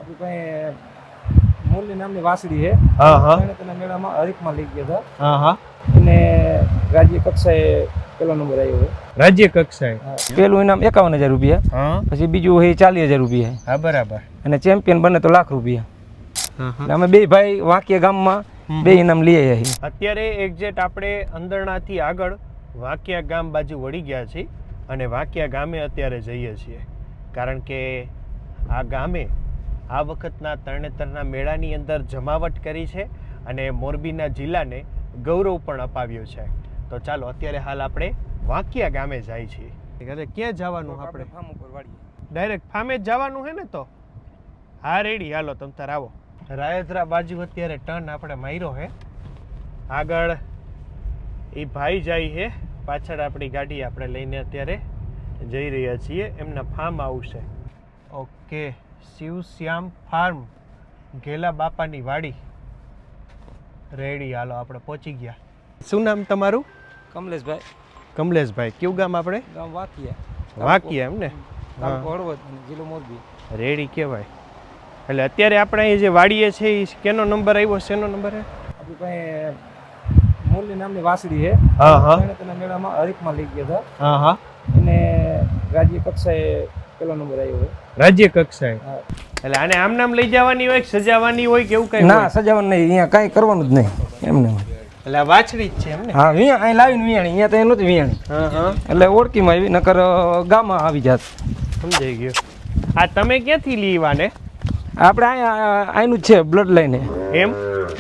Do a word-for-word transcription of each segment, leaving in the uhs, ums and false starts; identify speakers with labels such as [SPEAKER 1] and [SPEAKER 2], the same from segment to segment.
[SPEAKER 1] આપણી પાસે મોરલી નામની વાસળી છે.
[SPEAKER 2] હા હા
[SPEAKER 1] એને તેના મેળામાં હરીફમાં લઈ ગયા હતા.
[SPEAKER 2] હા હા
[SPEAKER 1] એને રાજ્ય કક્ષાએ પેલો નંબર આવ્યો છે.
[SPEAKER 2] રાજ્ય કક્ષાએ
[SPEAKER 1] પેલું ઇનામ એકાવન હજાર રૂપિયા,
[SPEAKER 2] હા
[SPEAKER 1] પછી બીજું એ ચાલીસ હજાર રૂપિયા,
[SPEAKER 2] હા બરાબર.
[SPEAKER 1] અને ચેમ્પિયન બને તો લાખ રૂપિયા.
[SPEAKER 2] હા હા
[SPEAKER 1] એટલે અમે બે ભાઈ વાંકિયા ગામમાં બે ઇનામ લઈ આવ્યા છીએ.
[SPEAKER 2] અત્યારે એક્ઝેક્ટ આપણે અંદરણાથી આગળ વાંકિયા ગામ બાજુ વળી ગયા છીએ અને વાંકિયા ગામે અત્યારે જઈએ છીએ, કારણ કે આ ગામે આ વખતના તરણેતરના મેળાની અંદર જમાવટ કરી છે અને મોરબીના જિલ્લાને ગૌરવ પણ અપાવ્યું છે. તો ચાલો અત્યારે હાલ આપણે વાંકિયા ગામે જાય છીએ. અરે ક્યાં જવાનું આપણે?
[SPEAKER 1] ફાર્મ ઉપર વાળીએ.
[SPEAKER 2] ડાયરેક્ટ ફાર્મે જ જવાનું છે ને? તો હા રેડી, હાલો તમ તાર આવો. રાયદ્રા બાજુ અત્યારે ટર્ન આપણે માર્યો છે, આગળ એ ભાઈ જાય છે, પાછળ આપણી ગાડી આપણે લઈને અત્યારે જઈ રહ્યા છીએ એમના ફાર્મ આવશે. ઓકે, શિવશ્યામ ફાર્મ, ઘેલા બાપાની વાડી. રેડી, હાલો આપણે પહોંચી ગયા. શું નામ તમારું?
[SPEAKER 1] કમલેશભાઈ.
[SPEAKER 2] કમલેશભાઈ. કયું ગામ આપણે?
[SPEAKER 1] ગામ વાંકિયા.
[SPEAKER 2] વાંકિયા એમ ને?
[SPEAKER 1] તાલુકો હળવદ, જિલ્લો મોરબી.
[SPEAKER 2] રેડી કહેવાય. એટલે અત્યારે આપણે અહીં જે વાડીએ છે એ કેનો નંબર આવ્યો? શેનો નંબર છે?
[SPEAKER 1] આપણી પાસે મોરલી નામની વાસળી છે.
[SPEAKER 2] હા હા
[SPEAKER 1] એને તેના મેળામાં હરીફમાં લઈ ગયા હતા.
[SPEAKER 2] હા હા
[SPEAKER 1] એને રાજ્ય કક્ષાએ પેલો નંબર આવ્યો છે.
[SPEAKER 2] રાજ્ય કક્ષાએ. એટલે આને આમ નામ લઈ જવાની હોય, સજાવવાની હોય કે એવું કઈ?
[SPEAKER 1] ના, સજાવવાનું નહીં, અહીંયા કાંઈ કરવાનું જ નહીં, એમને.
[SPEAKER 2] એટલે આ વાછડી જ છે એમને?
[SPEAKER 1] હા, વિયા અહીં લાવીને વિયાણી, અહીંયા તો એ નહોતી વિયાણી.
[SPEAKER 2] હા હા
[SPEAKER 1] એટલે ઓળખીમાં આવી, નકર ગામમાં આવી જાત.
[SPEAKER 2] સમજાઈ ગયું. આ તમે ક્યાંથી લીવાને?
[SPEAKER 1] આપણે અહીંયા અહીંનું જ છે, બ્લડ લાઈને.
[SPEAKER 2] એમ?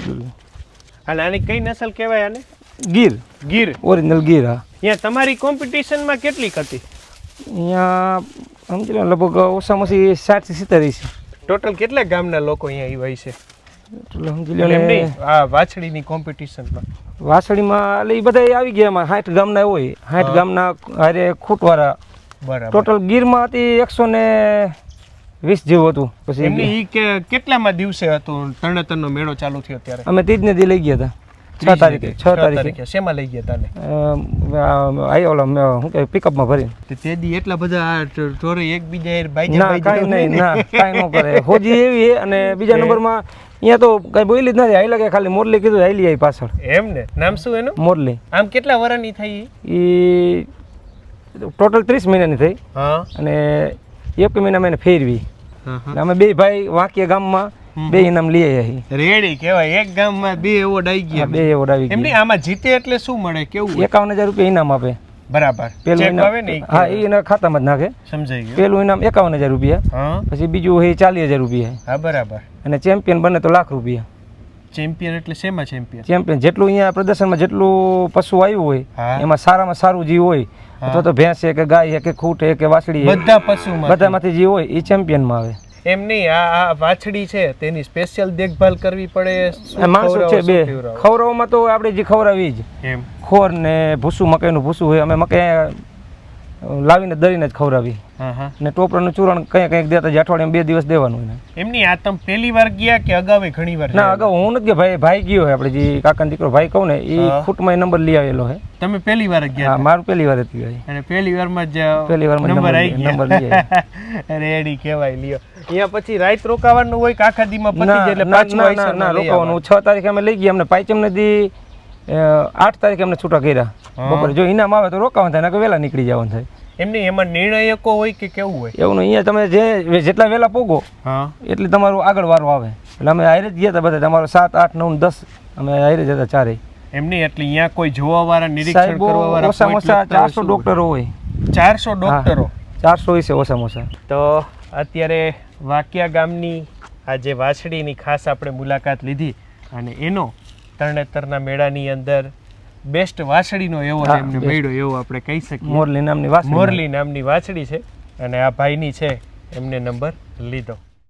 [SPEAKER 2] અને આની કઈ નસલ કહેવાય આને?
[SPEAKER 1] ગીર.
[SPEAKER 2] ગીર?
[SPEAKER 1] ઓરિજિનલ ગીર. હા.
[SPEAKER 2] અહીંયા તમારી કોમ્પિટિશનમાં કેટલીક હતી?
[SPEAKER 1] અહીંયા સમજી લો લગભગ ઓછામાં ઓછી સાઠ થી સિત્તેર છે.
[SPEAKER 2] ટોટલ કેટલા ગામના લોકો અહીંયા હોય છે?
[SPEAKER 1] એટલે સમજી લો
[SPEAKER 2] એમ
[SPEAKER 1] ને
[SPEAKER 2] નહીં, આ વાછડીની કોમ્પિટિશનમાં
[SPEAKER 1] વાસળીમાં એટલે એ બધા આવી ગયા એમાં સાઠ ગામના હોય, સાઠ ગામના હારે ખૂટવાળા.
[SPEAKER 2] બરાબર.
[SPEAKER 1] ટોટલ ગીરમાં હતી એકસો ને વીસ જેવું હતું. પછી
[SPEAKER 2] એમની ઈ કે કેટલામાં દિવસે હતું તરણેતરનો મેળો ચાલુ થયો ત્યારે?
[SPEAKER 1] અમે ત્રીજ ને દી લઈ ગયા હતા. છ તારીખે છ તારીખે
[SPEAKER 2] શેમાં લઈ ગયા તાને?
[SPEAKER 1] આઈ ઓલા શું કે પિકઅપમાં ભરીને.
[SPEAKER 2] તે દી એટલા બધા ઢોરે એકબીજા બાઈ
[SPEAKER 1] ના કાંઈ નહીં, ના કાંઈ ન કરે. હોજી એવી છે. અને બીજા નંબરમાં અહીંયા તો કઈ બોલી જ નથી, હાઈ લાગે ખાલી મોરલી કીધું હાઈલી આવી પાછળ.
[SPEAKER 2] એમ ને? નામ શું એનું?
[SPEAKER 1] મોરલી.
[SPEAKER 2] આમ કેટલા વર્ષની થઈ?
[SPEAKER 1] એ ટોટલ ત્રીસ મહિનાની થઈ.
[SPEAKER 2] હા.
[SPEAKER 1] અને એક મહિના મેં ફેરવી. અમે બે ભાઈ વાંકિયા ગામમાં બે ઇનામ લઈ આવ્યા છીએ.
[SPEAKER 2] રેડી કહેવાય. એક ગામમાં બે એવોર્ડ આવી ગયા.
[SPEAKER 1] બે એવોર્ડ આવી
[SPEAKER 2] એમની
[SPEAKER 1] ગયા.
[SPEAKER 2] આમાં જીતે એટલે શું મળે? કેવું?
[SPEAKER 1] એકાવન હજાર રૂપિયા ઇનામ આપે.
[SPEAKER 2] બરાબર.
[SPEAKER 1] પેલું
[SPEAKER 2] ચેક આવે
[SPEAKER 1] ઇનામ,
[SPEAKER 2] ને?
[SPEAKER 1] હા, એ એના ખાતામાં જ નાખે.
[SPEAKER 2] સમજાઈ ગયું.
[SPEAKER 1] પેલું ઇનામ એકાવન હજાર રૂપિયા,
[SPEAKER 2] હા.
[SPEAKER 1] પછી બીજું એ ચાલીસ હજાર રૂપિયા,
[SPEAKER 2] હા બરાબર.
[SPEAKER 1] અને ચેમ્પિયન બને તો લાખ રૂપિયા.
[SPEAKER 2] ચેમ્પિયન એટલે શેમાં ચેમ્પિયન?
[SPEAKER 1] ચેમ્પિયન જેટલું અહીંયા પ્રદર્શનમાં જેટલું પશુ આવ્યું હોય
[SPEAKER 2] હા.
[SPEAKER 1] એમાં સારામાં સારું જે હોય, અથવા તો ભેંસ છે કે ગાય છે કે ખૂટ છે કે વાસળી છે,
[SPEAKER 2] બધા પશુમાં
[SPEAKER 1] બધામાંથી જે હોય એ ચેમ્પિયનમાં આવે.
[SPEAKER 2] એમ નહીં, આ આ વાછડી છે તેની સ્પેશિયલ દેખભાલ કરવી પડે? શું
[SPEAKER 1] માણસો છે
[SPEAKER 2] ખવડાવો,
[SPEAKER 1] બે.
[SPEAKER 2] શું પીવડાવો?
[SPEAKER 1] ખવડાવવામાં તો આપણે જે ખવડાવી જ
[SPEAKER 2] એમ.
[SPEAKER 1] ખોર ને ભૂસું, મકાઈનું ભૂસું હોય, અમે મકાઈ લાવીને દળીને જ ખવડાવી.
[SPEAKER 2] હા હા.
[SPEAKER 1] ને ટોપરાનું ચૂરણ કંઈ કંઈક દેતા જ અઠવાડિયામાં બે દિવસ દેવાનું એને.
[SPEAKER 2] એમ નહીં, આ તમે પહેલી વાર ગયા કે અગાઉ ઘણી વાર?
[SPEAKER 1] ના, અગાઉ હું નથી ગયા, ભાઈ ભાઈ ગયો હોય, આપણે જે કાકાનો દીકરો ભાઈ કહું ને એ
[SPEAKER 2] હા.
[SPEAKER 1] ખૂટમાં નંબર લઈ આવેલો છે.
[SPEAKER 2] તમે પહેલી વાર જ ગયા
[SPEAKER 1] હા,
[SPEAKER 2] હતા?
[SPEAKER 1] મારું પહેલી વાર હતી ભાઈ.
[SPEAKER 2] અને પહેલી વારમાં જ
[SPEAKER 1] પહેલી વારમાં
[SPEAKER 2] નંબર આવી
[SPEAKER 1] નંબર લઈ
[SPEAKER 2] ગયા. રેડી કહેવાય. લ્યો, અહીંયા પછી રાત રોકાવાનું હોય કે આખા દીમાં પતી જાય એટલે
[SPEAKER 1] ના
[SPEAKER 2] પાછું
[SPEAKER 1] ના ના
[SPEAKER 2] આઈસરમાં લઈ
[SPEAKER 1] રોકાવાનું. છ તારીખે અમે લઈ ગયા, અમને પાંચમ નદી આઠ તારીખે અમને છૂટા કર્યા બપોરે. જો ઇનામ આવે તો રોકાવાનું થાય, નકર વહેલા નીકળી જવાનું થાય.
[SPEAKER 2] એમની એમાં નિર્ણયકો હોય કે કેવું હોય?
[SPEAKER 1] એવું નહીં, અહીંયા તમે જે જેટલા વહેલા પોગો
[SPEAKER 2] હા
[SPEAKER 1] એટલે તમારું આગળ વારો આવે. એટલે અમે હારે જ ગયા હતા બધા, તમારો સાત આઠ નવ દસ અમે હારે જ હતા ચારેય.
[SPEAKER 2] એમની એટલે અહીંયા કોઈ જોવા વાળા, નિરીક્ષણ કરવા વાળા
[SPEAKER 1] ઓછામાં ઓછા ચારસો ડોક્ટરો હોય.
[SPEAKER 2] ચારસો ડોક્ટરો?
[SPEAKER 1] ચારસો હોય છે ઓછામાં ઓછા.
[SPEAKER 2] તો અત્યારે વાંકિયા ગામની આ જે વાછડીની ખાસ આપણે મુલાકાત લીધી અને એનો તરણેતરના મેળાની અંદર બેસ્ટ વાછડીનો એવોર્ડ એમને મળ્યો એવું આપણે કહી શકીએ.
[SPEAKER 1] મોરલી નામની વાછડી.
[SPEAKER 2] મોરલી નામની વાછડી છે અને આ ભાઈની છે, એમને નંબર લીધો.